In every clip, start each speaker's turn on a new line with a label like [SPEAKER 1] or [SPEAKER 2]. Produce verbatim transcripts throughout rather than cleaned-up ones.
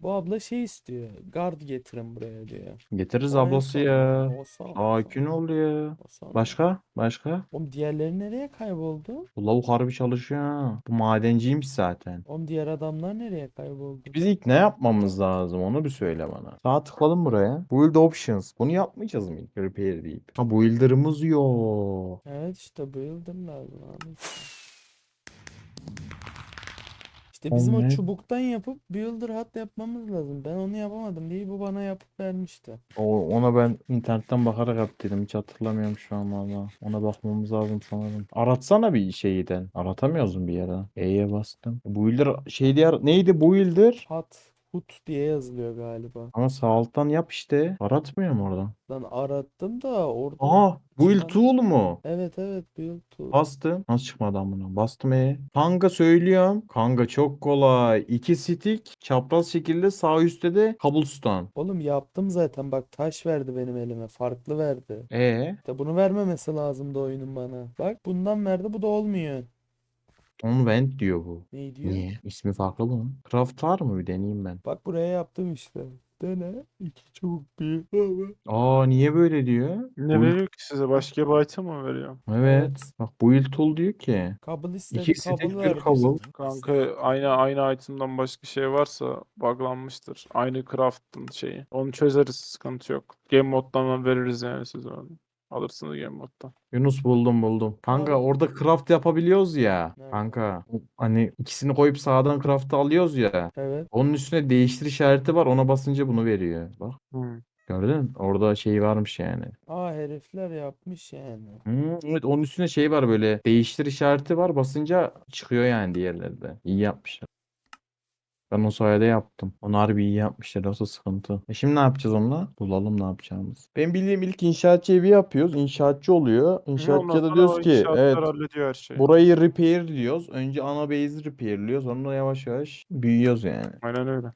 [SPEAKER 1] Bu abla şey istiyor. Guard getirin buraya diyor.
[SPEAKER 2] Getiririz
[SPEAKER 1] O en
[SPEAKER 2] ablası
[SPEAKER 1] son.
[SPEAKER 2] ya.
[SPEAKER 1] O son. O son.
[SPEAKER 2] Sakin ol ya.
[SPEAKER 1] O son.
[SPEAKER 2] Başka? Başka?
[SPEAKER 1] Oğlum diğerleri nereye kayboldu?
[SPEAKER 2] Bu lavuk harbi çalışıyor ha. Bu madenciymiş zaten.
[SPEAKER 1] Oğlum diğer adamlar nereye kayboldu?
[SPEAKER 2] Biz ilk ne yapmamız lazım onu bir söyle bana. Sağ tıkladım buraya. Build options. Bunu yapmayacağız mı ilk repair deyip? Ha builder'ımız yok.
[SPEAKER 1] Evet işte builder lazım abi. İşte bizim
[SPEAKER 2] Oğlum
[SPEAKER 1] o
[SPEAKER 2] ne?
[SPEAKER 1] çubuktan yapıp builder hat yapmamız lazım. Ben onu yapamadım diye bu bana yapıp vermişti.
[SPEAKER 2] O, ona ben internetten bakarak yaptıydım. Hiç hatırlamıyorum şu an valla. Ona bakmamız lazım sanırım. Aratsana bir şeyden. Aratamıyoruz mu bir yerden? E'ye bastım. Builder şey diye neydi builder?
[SPEAKER 1] Hat, hut diye yazılıyor galiba.
[SPEAKER 2] Ama sağ alttan yap işte. Aratmıyor mu oradan?
[SPEAKER 1] Lan arattım da orada
[SPEAKER 2] Aa, build
[SPEAKER 1] çıkan...
[SPEAKER 2] tool mu?
[SPEAKER 1] Evet evet build tool.
[SPEAKER 2] Bastım. Nasıl çıkmadı amına? Bastım E. Kanka söylüyorum. Kanka çok kolay. İki stick çapraz şekilde sağ üstte de cobblestone.
[SPEAKER 1] Oğlum yaptım zaten bak taş verdi benim elime. Farklı verdi.
[SPEAKER 2] E
[SPEAKER 1] İşte bunu vermemesi lazımdı oyunun bana. Bak bundan verdi bu da olmuyor.
[SPEAKER 2] on vent diyor bu.
[SPEAKER 1] Ne diyor?
[SPEAKER 2] Niye? İsmi farklı bunun. Craft var mı? Bir deneyeyim ben.
[SPEAKER 1] Bak buraya yaptım işte. Dene. İki çubuk bir. Baba.
[SPEAKER 2] Aa niye böyle diyor?
[SPEAKER 3] Ne
[SPEAKER 2] Build.
[SPEAKER 3] veriyor ki size? Başka bir item mı veriyor?
[SPEAKER 2] Evet.
[SPEAKER 1] Evet.
[SPEAKER 2] Bak build tool diyor ki.
[SPEAKER 1] Kabul istedi.
[SPEAKER 2] İki
[SPEAKER 1] Kabul
[SPEAKER 2] stick bir
[SPEAKER 1] verdi
[SPEAKER 2] cobble.
[SPEAKER 1] sana.
[SPEAKER 3] Kanka aynı aynı item'dan başka şey varsa buglanmıştır. Aynı craft'ın şeyi. Onu çözeriz, sıkıntı yok. Game moddan veririz yani size onu. Alırsınız game moddan.
[SPEAKER 2] Yunus buldum buldum. Kanka
[SPEAKER 1] Al.
[SPEAKER 2] orada craft yapabiliyoruz ya.
[SPEAKER 1] Nerede?
[SPEAKER 2] Kanka hani ikisini koyup sağdan craft'ı alıyoruz ya.
[SPEAKER 1] Evet.
[SPEAKER 2] Onun üstüne değiştir işareti var. Ona basınca bunu veriyor. Bak
[SPEAKER 3] Hmm.
[SPEAKER 2] gördün mü? Orada şey varmış yani.
[SPEAKER 1] Aa herifler yapmış yani.
[SPEAKER 2] Hmm, evet onun üstüne şey var böyle. Değiştir işareti var. Basınca çıkıyor yani diğerleri de. İyi yapmışlar. Ben o sayede yaptım. Onu harbi iyi yapmışlar. Yoksa sıkıntı. E şimdi ne yapacağız onunla? Bulalım ne yapacağımız. Ben bildiğim ilk inşaatçı evi yapıyoruz. İnşaatçı oluyor.
[SPEAKER 3] Hı, ondan
[SPEAKER 2] İnşaatçıya da
[SPEAKER 3] sonra
[SPEAKER 2] diyoruz
[SPEAKER 3] o
[SPEAKER 2] ki
[SPEAKER 3] inşaatlar
[SPEAKER 2] evet
[SPEAKER 3] hallediyor her şeyi.
[SPEAKER 2] burayı repair diyoruz. Önce ana base'i repairliyoruz. Sonra yavaş yavaş büyüyoruz yani.
[SPEAKER 3] Aynen öyle.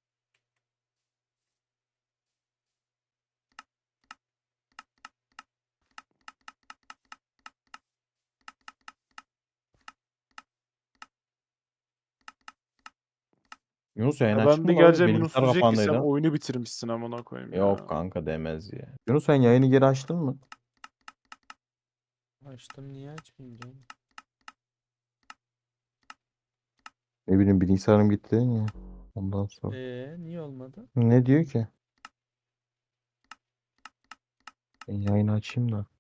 [SPEAKER 2] Yunus yayın
[SPEAKER 3] Ya
[SPEAKER 2] açık
[SPEAKER 3] ben
[SPEAKER 2] mı
[SPEAKER 3] bir
[SPEAKER 2] la?
[SPEAKER 3] geleceğim,
[SPEAKER 2] Bilgisayar
[SPEAKER 3] Yunus diyecek ki sen
[SPEAKER 2] kapandıydı.
[SPEAKER 3] oyunu bitirmişsin amına koyayım
[SPEAKER 2] Yok
[SPEAKER 3] ya.
[SPEAKER 2] kanka demez ya. Yunus sen yayını geri açtın mı?
[SPEAKER 1] Açtım niye açmayayım canım?
[SPEAKER 2] Ne bileyim bilgisayarım gitti ya. Ondan sonra.
[SPEAKER 1] Ee niye olmadı?
[SPEAKER 2] Ne diyor ki? Ben yayını açayım da.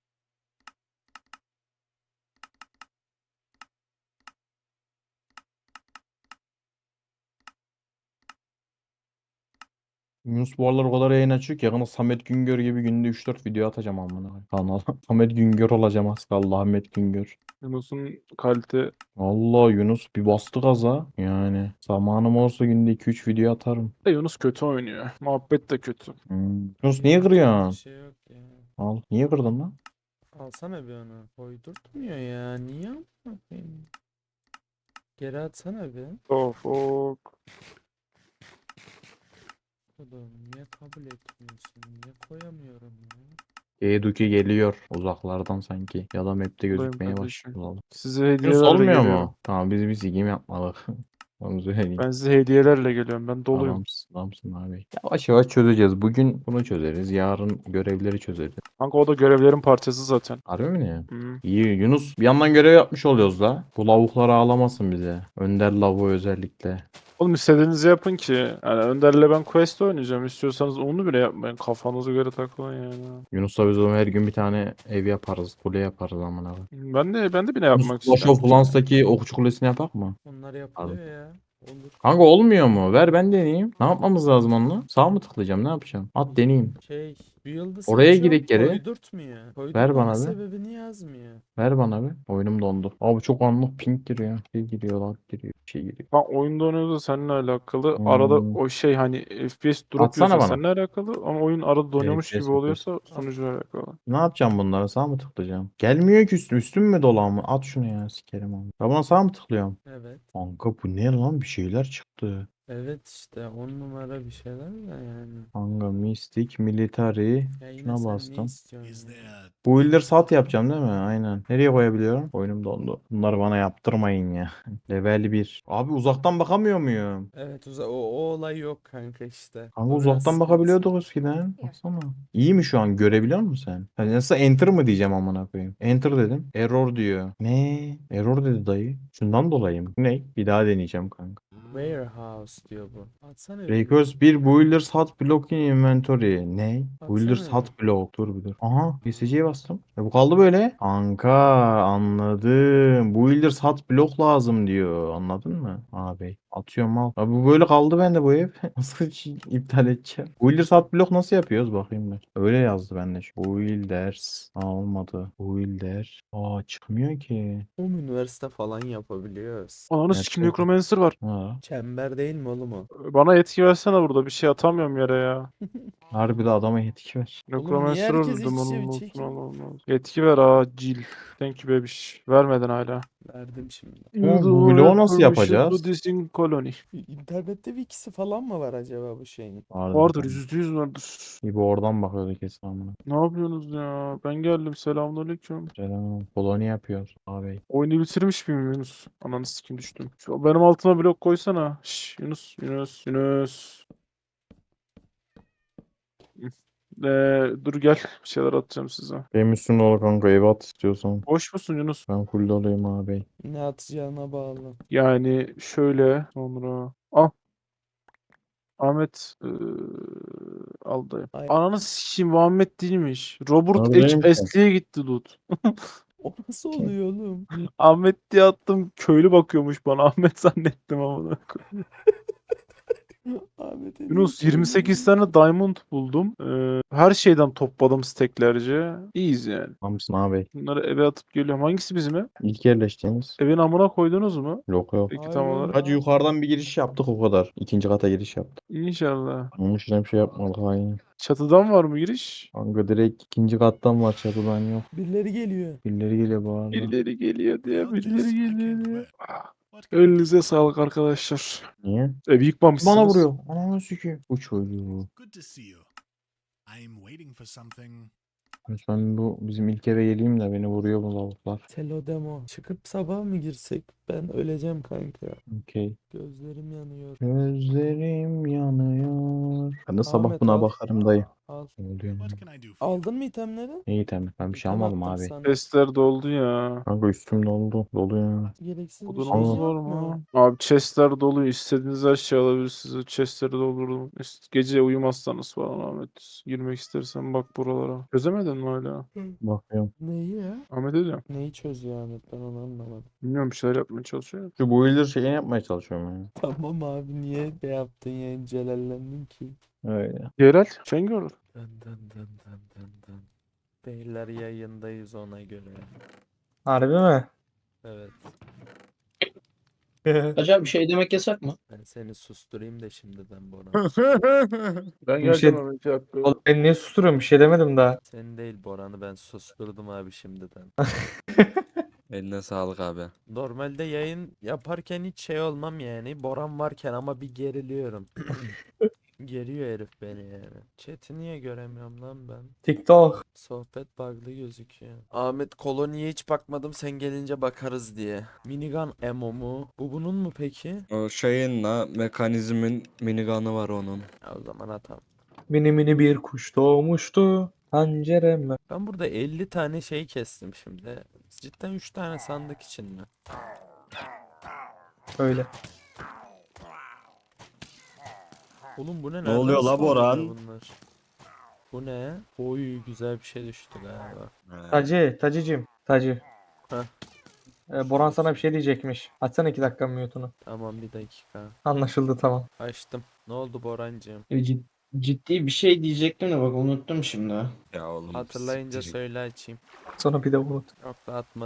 [SPEAKER 2] Yunus bu aralar o kadar yayın açıyor ki yakında Samet Güngör gibi günde üç dört video atacağım amına koyayım kanala. Samet Güngör olacağım az kaldı Ahmet Güngör.
[SPEAKER 3] Yunus'un kalite
[SPEAKER 2] Allah Yunus bir bastı gaza. Yani zamanım olsa günde iki üç video atarım.
[SPEAKER 3] de Yunus kötü oynuyor. Muhabbet de kötü.
[SPEAKER 2] Hmm. Yunus niye
[SPEAKER 1] Yapacak bir
[SPEAKER 2] kırıyorsun?
[SPEAKER 1] şey yok ya.
[SPEAKER 2] Al. Niye kırdın lan?
[SPEAKER 1] Alsana bir onu. Koydurtmuyor ya. Niye yapayım? Geri atsana bir.
[SPEAKER 3] Of of.
[SPEAKER 1] Oğlum niye kabul etmiyorsun? Niye koyamıyorum ya?
[SPEAKER 2] Eduki geliyor uzaklardan sanki. Ya da map'te
[SPEAKER 3] Buradayım
[SPEAKER 2] gözükmeye
[SPEAKER 3] kardeşim.
[SPEAKER 2] başladı.
[SPEAKER 3] Size
[SPEAKER 2] Yunus
[SPEAKER 3] hediyelerle
[SPEAKER 2] olmuyor
[SPEAKER 3] geliyorum.
[SPEAKER 2] mu? Tamam biz bir sigim yapmadık. Onu söyleyeyim.
[SPEAKER 3] Ben size hediyelerle geliyorum. Ben doluyum.
[SPEAKER 2] Adamsın, adamsın abi. Yavaş yavaş çözeceğiz. Bugün bunu çözeriz. Yarın görevleri çözeriz.
[SPEAKER 3] Kanka o da görevlerin parçası zaten.
[SPEAKER 2] Harbi mi ne?
[SPEAKER 3] Hı.
[SPEAKER 2] İyi Yunus. Bir yandan görev yapmış oluyoruz da. Bu lavuklar ağlamasın bize. Önder lavuğu özellikle.
[SPEAKER 3] Oğlum istediğinizi yapın ki. Yani Önder'le ben quest oynayacağım. İstiyorsanız onu bile yapmayın. Kafanıza göre takılın yani.
[SPEAKER 2] Yunus'la biz o her gün bir tane ev yaparız. Kule yaparız amına koyayım.
[SPEAKER 3] Ben de ben de bile
[SPEAKER 2] Yunus
[SPEAKER 3] yapmak
[SPEAKER 2] Clash
[SPEAKER 3] istiyorum
[SPEAKER 2] of
[SPEAKER 3] ki.
[SPEAKER 2] Clans'taki okçu kulesini yapak mı?
[SPEAKER 1] Onlar
[SPEAKER 2] Pardon.
[SPEAKER 1] yapılıyor ya. Olur.
[SPEAKER 2] Kanka olmuyor mu? Ver ben deneyeyim. Ne yapmamız lazım onunla? Sağ mı tıklayacağım? Ne yapacağım? At deneyeyim.
[SPEAKER 1] Şey, build'ı
[SPEAKER 2] Oraya
[SPEAKER 1] seçiyorum,
[SPEAKER 2] gidelim geri.
[SPEAKER 1] koydurtmuyor.
[SPEAKER 2] Ver
[SPEAKER 1] Koydurmama
[SPEAKER 2] bana bir.
[SPEAKER 1] sebebini yazmıyor.
[SPEAKER 2] Ver bana bir. Oyunum dondu. Abi çok anlık ping giriyor. Şey giriyor, lag giriyor. Bir şey giriyor.
[SPEAKER 3] Ha oyunda oynuyorsa seninle alakalı. Arada
[SPEAKER 2] Hmm.
[SPEAKER 3] o şey hani F P S drop
[SPEAKER 2] Atsana
[SPEAKER 3] yiyorsa
[SPEAKER 2] bana.
[SPEAKER 3] seninle alakalı. Ama oyun arada donuyormuş gibi
[SPEAKER 2] F P S mi F P S?
[SPEAKER 3] oluyorsa
[SPEAKER 1] Al.
[SPEAKER 3] sunucuyla alakalı.
[SPEAKER 2] Ne yapacağım bunlara? Sağ mı tıklayacağım? Gelmiyor ki üstüm. Üstüm mü dolan mı? At şunu ya sikerim onu. Ben buna sağ mı tıklıyorum?
[SPEAKER 1] Evet.
[SPEAKER 2] Kanka bu ne lan? Bir şeyler çıktı.
[SPEAKER 1] Evet işte on numara bir şeyler de yani.
[SPEAKER 2] Kanka Mystic, Military.
[SPEAKER 1] Ya yine
[SPEAKER 2] Şuna
[SPEAKER 1] sen ne
[SPEAKER 2] bastım.
[SPEAKER 1] istiyorsun ya?
[SPEAKER 2] Bu Builder sat yapacağım değil mi? Aynen. Nereye koyabiliyorum? Oyunum dondu. Bunları bana yaptırmayın ya. Level bir. Abi uzaktan bakamıyor muyum?
[SPEAKER 1] Evet uza o, o olay yok kanka işte.
[SPEAKER 2] Kanka
[SPEAKER 1] O biraz
[SPEAKER 2] uzaktan
[SPEAKER 1] sıkıntı.
[SPEAKER 2] bakabiliyorduk eskiden. Baksana. İyi mi şu an? Görebiliyor musun sen? Hani nasıl enter mı diyeceğim amına koyayım. Enter dedim. Error diyor. Ne? Error dedi dayı. Şundan dolayı mı? Ne? Bir daha deneyeceğim kanka.
[SPEAKER 1] Warehouse diyor bu. Atsana bir.
[SPEAKER 2] Recurse bir Builders Hot Block in Inventory. Ne? Builders
[SPEAKER 1] Atsana
[SPEAKER 2] Hot Block. Dur bir dur. Aha. P C C'ye bastım. E bu kaldı böyle. Kanka anladım. Builders Hot Block lazım diyor. Anladın mı? Abi. Atıyorum al. Abi bu böyle kaldı bende bu ev. Nasıl hiç iptal edeceğim? Builders Hot Block nasıl yapıyoruz? Bakayım ben. Öyle yazdı bende. Şu. Builders. Aa olmadı. Builder. Aa çıkmıyor ki.
[SPEAKER 1] O üniversite falan yapabiliyoruz.
[SPEAKER 3] Ananı sikim
[SPEAKER 2] Gerçekten.
[SPEAKER 3] Necromancer var.
[SPEAKER 2] Ha.
[SPEAKER 1] Çember değil mi oğlum o?
[SPEAKER 3] Bana etki versene burada. Bir şey atamıyorum yere ya.
[SPEAKER 2] Harbi de adama yetki ver.
[SPEAKER 1] Oğlum niye
[SPEAKER 3] Necromancer
[SPEAKER 1] herkes
[SPEAKER 3] öldürdüm
[SPEAKER 1] iç içe
[SPEAKER 3] onun
[SPEAKER 1] bir
[SPEAKER 3] olsun
[SPEAKER 1] çekin?
[SPEAKER 3] Allah'ım. Etki ver acil. Thank you bebiş. Vermeden hala.
[SPEAKER 1] Verdim şimdi.
[SPEAKER 2] Ama
[SPEAKER 3] You
[SPEAKER 2] bu
[SPEAKER 3] do
[SPEAKER 2] bloğu
[SPEAKER 3] have
[SPEAKER 2] nasıl
[SPEAKER 3] permission to
[SPEAKER 2] yapacağız?
[SPEAKER 3] this in colony.
[SPEAKER 1] İnternette bir ikisi falan mı var acaba bu şeyin?
[SPEAKER 2] Vardır
[SPEAKER 3] Vardır,
[SPEAKER 2] kanka.
[SPEAKER 3] yüzde yüz vardır.
[SPEAKER 2] İbo oradan bakıyordu kesin amına.
[SPEAKER 3] Ne yapıyorsunuz ya? Ben geldim, selamünaleyküm.
[SPEAKER 2] Selam. Koloni yapıyoruz abi.
[SPEAKER 3] Oyunu bitirmiş miyim Yunus? Ananı sikim düştüm. Şu benim altıma blok koysana. Şş, Yunus, Yunus, Yunus. Ee, dur gel, bir şeyler atacağım size.
[SPEAKER 2] Benim üstümde ol kanka ev at istiyorsan.
[SPEAKER 3] Boş musun Yunus?
[SPEAKER 2] Ben full olayım abi.
[SPEAKER 1] Ne atacağına bağlı.
[SPEAKER 3] Yani şöyle sonra. Al Ahmet, ee, al dayı.
[SPEAKER 1] Ay.
[SPEAKER 3] Ananı sikeyim, Muhammed değilmiş. Robert H.
[SPEAKER 2] Neredeyim ki?
[SPEAKER 3] Ashley'e gitti loot.
[SPEAKER 1] O nasıl oluyor oğlum?
[SPEAKER 3] Ahmet diye attım, köylü bakıyormuş bana. Ahmet zannettim ama.
[SPEAKER 1] Ahmet
[SPEAKER 3] Yunus yirmi sekiz tane diamond buldum. Ee, her şeyden topladım steklerce. İyiyiz yani.
[SPEAKER 2] Tamamsın abi.
[SPEAKER 3] Bunları eve atıp geliyorum. Hangisi bizim ev?
[SPEAKER 2] İlk yerleştiğimiz.
[SPEAKER 3] Evin amına koydunuz mu?
[SPEAKER 2] Yok yok.
[SPEAKER 3] Peki
[SPEAKER 1] Hayır
[SPEAKER 3] tam
[SPEAKER 1] oğlum.
[SPEAKER 3] olarak.
[SPEAKER 2] Hacı yukarıdan bir giriş yaptık o kadar. İkinci kata giriş yaptık.
[SPEAKER 3] İnşallah.
[SPEAKER 2] Onun için bir şey yapmadık aynı.
[SPEAKER 3] Çatıdan var mı giriş?
[SPEAKER 2] Kanka direkt ikinci kattan var çatıdan yok.
[SPEAKER 1] Birileri geliyor.
[SPEAKER 2] Birileri geliyor bu arada.
[SPEAKER 3] Birileri geliyor diye, birileri geliyor diye. Ah, elinize sağlık arkadaşlar.
[SPEAKER 2] Niye?
[SPEAKER 3] Evi yıkmamışsınız.
[SPEAKER 2] Bana vuruyor. Ananı sikeyim. Bu çocuğu.
[SPEAKER 4] Good to see you. I'm waiting for something.
[SPEAKER 2] Ben bu bizim ilk eve geleyim de beni vuruyor bu lavuklar.
[SPEAKER 1] Telo demo. Çıkıp sabah mı girsek? Ben öleceğim kanka.
[SPEAKER 2] Okey.
[SPEAKER 1] Gözlerim yanıyor.
[SPEAKER 2] Gözlerim yanıyor. Ben de sabah
[SPEAKER 1] Ahmet
[SPEAKER 2] buna
[SPEAKER 1] al.
[SPEAKER 2] bakarım dayı.
[SPEAKER 1] Al.
[SPEAKER 2] Ne oluyor?
[SPEAKER 4] What can I do for you?
[SPEAKER 1] Aldın mı itemleri?
[SPEAKER 2] İyi tamam. Ben bir şey
[SPEAKER 1] İtem
[SPEAKER 2] almadım
[SPEAKER 1] attım
[SPEAKER 2] abi.
[SPEAKER 1] sana.
[SPEAKER 3] Chestler doldu ya.
[SPEAKER 2] Kanka üstüm doldu. Dolu ya.
[SPEAKER 1] Gereksiz bir
[SPEAKER 3] Odunumuz
[SPEAKER 1] şeyin
[SPEAKER 3] var
[SPEAKER 1] yok mu?
[SPEAKER 3] mı? Abi chestler dolu. İstediğiniz her şeyi alabilirsiniz. Chestleri doldurdum. İst- Gece uyumazsanız falan Ahmet. Girmek istersen bak buralara. Çözemedin mi hala?
[SPEAKER 2] Bakıyorum.
[SPEAKER 1] Neyi ya?
[SPEAKER 3] Ahmet ediyorum.
[SPEAKER 1] Neyi çözüyor Ahmet? Ben onu anlamadım.
[SPEAKER 3] Bilmiyorum, bir şeyler yapmaya çalışıyor.
[SPEAKER 2] Şu boiler şeyini yapmaya çalışıyorum yani.
[SPEAKER 1] Tamam abi niye ne yaptın ya? Celallendin ki.
[SPEAKER 2] Öyle.
[SPEAKER 3] Yerel. Şengör.
[SPEAKER 1] Dın dın dın dın dın dın. Beyler yayındayız ona göre.
[SPEAKER 5] Harbi mi?
[SPEAKER 1] Evet.
[SPEAKER 6] Acaba bir şey demek yasak mı?
[SPEAKER 1] Ben seni susturayım da şimdiden Bora.
[SPEAKER 3] Ben
[SPEAKER 5] Bir şey-
[SPEAKER 3] geleceğim Ahmet. Bir dakika.
[SPEAKER 5] Oğlum ben niye susturuyorum? Bir şey demedim daha.
[SPEAKER 1] Seni değil Boran'ı ben susturdum abi şimdiden.
[SPEAKER 7] Eline sağlık abi.
[SPEAKER 1] Normalde yayın yaparken hiç şey olmam yani. Boran varken ama bir geriliyorum. Geriyor herif beni yani. Chat'i niye göremiyorum lan ben?
[SPEAKER 5] TikTok.
[SPEAKER 1] Sohbet bug'lı gözüküyor. Ahmet koloniye hiç bakmadım sen gelince bakarız diye. Minigun ammo mu? Bu bunun mu peki?
[SPEAKER 7] O şeyin la mekanizmin minigun'ı var onun.
[SPEAKER 1] Ya o zaman atam.
[SPEAKER 5] Mini mini bir kuş doğmuştu. Pencereme.
[SPEAKER 1] Ben burada elli tane şey kestim şimdi. Cidden üç tane sandık için mi?
[SPEAKER 5] Öyle.
[SPEAKER 1] Oğlum bu ne?
[SPEAKER 7] Ne
[SPEAKER 1] Nereden
[SPEAKER 7] oluyor la
[SPEAKER 1] spawnlanıyor
[SPEAKER 7] Boran?
[SPEAKER 1] bunlar? Bu ne? Oy güzel bir şey düştü galiba.
[SPEAKER 7] He.
[SPEAKER 5] Tacı. Tacıcım. Tacı.
[SPEAKER 1] Heh.
[SPEAKER 5] Ee, Boran sana bir şey diyecekmiş. Açsana iki dakika mute'unu.
[SPEAKER 1] Tamam bir dakika.
[SPEAKER 5] Anlaşıldı tamam.
[SPEAKER 1] Açtım. Ne oldu Borancığım?
[SPEAKER 6] E, cid- ciddi bir şey diyecektim de bak unuttum şimdi.
[SPEAKER 7] Ya oğlum
[SPEAKER 1] Hatırlayınca
[SPEAKER 7] siktir.
[SPEAKER 1] söyle açayım.
[SPEAKER 5] Sonra bir de unut.
[SPEAKER 1] Yok da atmadım.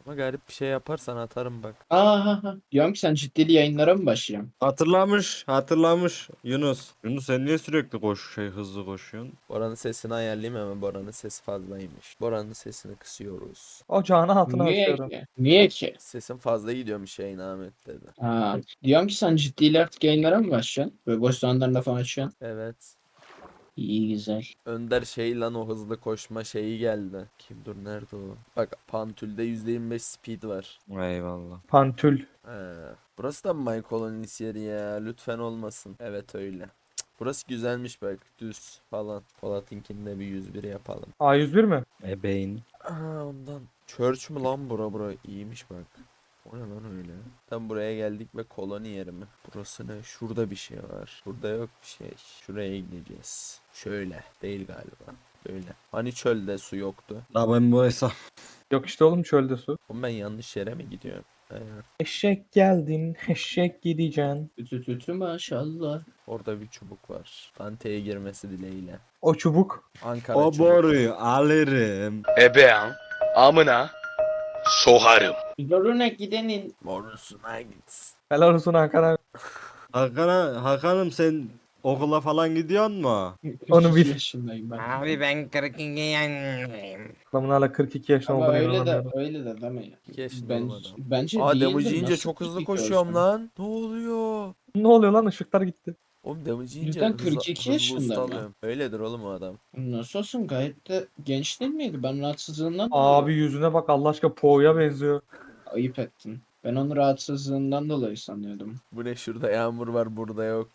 [SPEAKER 1] Ama garip bir şey yaparsan atarım bak.
[SPEAKER 6] Aa, ha, ha. Diyorum ki sen ciddili yayınlara mı başlayacaksın?
[SPEAKER 7] Hatırlamış, hatırlamış Yunus. Yunus sen niye sürekli koş şey hızlı koşuyorsun?
[SPEAKER 1] Boran'ın sesini ayarlayayım hemen. Boran'ın sesi fazlaymış. Boran'ın sesini kısıyoruz.
[SPEAKER 5] Ocağın altına
[SPEAKER 6] Niye
[SPEAKER 5] açıyorum.
[SPEAKER 6] ki? Niye ki?
[SPEAKER 1] Sesin fazla gidiyormuş yayın Ahmet dedi.
[SPEAKER 6] Ha, diyorum ki sen ciddiyle artık yayınlara mı başlayacaksın? Böyle boş zamanlarında falan açacaksın.
[SPEAKER 1] Evet.
[SPEAKER 6] İyi güzel.
[SPEAKER 1] Önder şey lan o hızlı koşma şeyi geldi. Kim dur nerede o? Bak Pantül'de yüzde yirmi beş speed var.
[SPEAKER 7] Eyvallah.
[SPEAKER 5] Pantül.
[SPEAKER 1] He. Burası da mı My Colonies yeri ya? Lütfen olmasın. Evet öyle. Cık, burası güzelmiş bak. Düz falan. Polat'inkinde bir yüz bir yapalım.
[SPEAKER 5] A yüz bir mi?
[SPEAKER 7] Ebeğin.
[SPEAKER 1] Aa, ondan. Church mü lan bura bura? İyiymiş bak. O ne lan öyle? Tam buraya geldik ve koloni yeri mi? Burası ne? Şurada bir şey var. Burada yok bir şey. Şuraya gideceğiz. Şöyle. Değil galiba. Böyle. Hani çölde su yoktu?
[SPEAKER 7] La ben bu hesap.
[SPEAKER 5] Yok işte oğlum çölde su.
[SPEAKER 1] Oğlum ben yanlış yere mi gidiyorum? He.
[SPEAKER 5] Eşek geldin, eşek gideceksin.
[SPEAKER 6] Ütü tütü maşallah.
[SPEAKER 1] Orada bir çubuk var. Dante'ye girmesi dileğiyle.
[SPEAKER 5] O çubuk.
[SPEAKER 1] Ankara
[SPEAKER 7] O
[SPEAKER 1] çubuk.
[SPEAKER 7] boruyu alırım.
[SPEAKER 8] Ebeğin amına soharım.
[SPEAKER 6] Yoluna gidenin.
[SPEAKER 1] Morusuna gitsin.
[SPEAKER 5] Helal olsun Ankara.
[SPEAKER 7] Hakan'a, Hakan'ım sen okula falan gidiyorsun mu?
[SPEAKER 5] Onu bil.
[SPEAKER 6] yaşındayım ben.
[SPEAKER 7] Abi ben kırk iki yaşındayım.
[SPEAKER 5] Adamın hala kırk iki yaşında
[SPEAKER 6] Ama
[SPEAKER 5] olduğunu
[SPEAKER 6] öyle de
[SPEAKER 5] inanamıyorum.
[SPEAKER 6] öyle de deme ya.
[SPEAKER 1] İki yaşında
[SPEAKER 6] Ben,
[SPEAKER 1] oğlum adam.
[SPEAKER 6] bence
[SPEAKER 1] Aa
[SPEAKER 6] değildir.
[SPEAKER 1] damage yiyince
[SPEAKER 6] Nasıl
[SPEAKER 1] çok hızlı
[SPEAKER 6] kırk iki
[SPEAKER 1] koşuyorum
[SPEAKER 6] olsun?
[SPEAKER 1] lan. Ne oluyor?
[SPEAKER 5] Ne oluyor lan, ışıklar gitti.
[SPEAKER 1] Oğlum damage yiyince
[SPEAKER 6] Cidden
[SPEAKER 1] hızlı,
[SPEAKER 6] kırk iki
[SPEAKER 1] hızlı
[SPEAKER 6] yaşında
[SPEAKER 1] usta
[SPEAKER 6] mı?
[SPEAKER 1] alıyorum. Öyledir oğlum o adam.
[SPEAKER 6] Nasıl olsun, gayet de genç değil miydi? Ben rahatsızlığından
[SPEAKER 5] Abi
[SPEAKER 6] dolayı
[SPEAKER 5] yüzüne bak Allah aşkına, Po'ya benziyor.
[SPEAKER 6] ayıp ettin. Ben onu rahatsızlığından dolayı sanıyordum.
[SPEAKER 1] Bu ne, şurada yağmur var burada yok.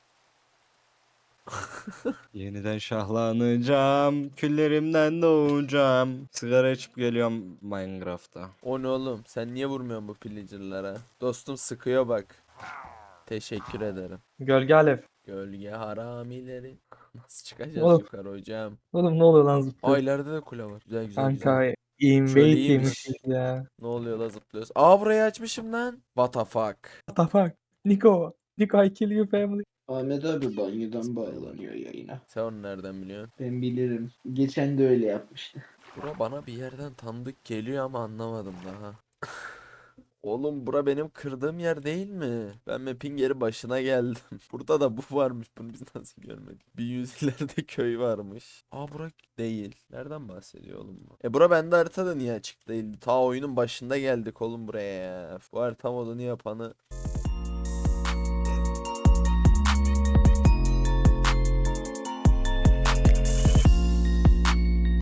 [SPEAKER 7] Yeniden şahlanacağım. Küllerimden doğacağım. Sigara içip geliyorum Minecraft'ta.
[SPEAKER 1] O ne oğlum? Sen niye vurmuyorsun bu pillager'lara? Dostum sıkıyor bak. Teşekkür ederim.
[SPEAKER 5] Gölge alev.
[SPEAKER 1] Gölge haramileri. Nasıl çıkacağız
[SPEAKER 5] Oğlum.
[SPEAKER 1] yukarı hocam?
[SPEAKER 5] Oğlum ne oluyor lan
[SPEAKER 1] Aa
[SPEAKER 5] zıplıyor.
[SPEAKER 1] ileride de kule var. Güzel güzel güzel.
[SPEAKER 5] Kanka
[SPEAKER 1] Şöyle
[SPEAKER 5] invade
[SPEAKER 1] iyiymiş.
[SPEAKER 5] yemişiz ya.
[SPEAKER 1] Ne oluyor la zıplıyoruz? Aa burayı açmışım lan. What the fuck?
[SPEAKER 5] What the fuck? Nico. Nico I kill you family.
[SPEAKER 6] Ahmet abi banyodan bağlanıyor yayına.
[SPEAKER 1] Sen onu nereden biliyorsun?
[SPEAKER 6] Ben bilirim. Geçen de öyle yapmıştı.
[SPEAKER 1] Bura bana bir yerden tanıdık geliyor ama anlamadım daha. Oğlum bura benim kırdığım yer değil mi? Ben map'in geri başına geldim. Burada da bu varmış. Bunu biz nasıl görmedik? Bir yüz ileride köy varmış. Aa bura değil. Nereden bahsediyor oğlum bu? E bura bende haritada niye açık değil? Ta oyunun başında geldik oğlum buraya ya. Bu harita modunu yapanı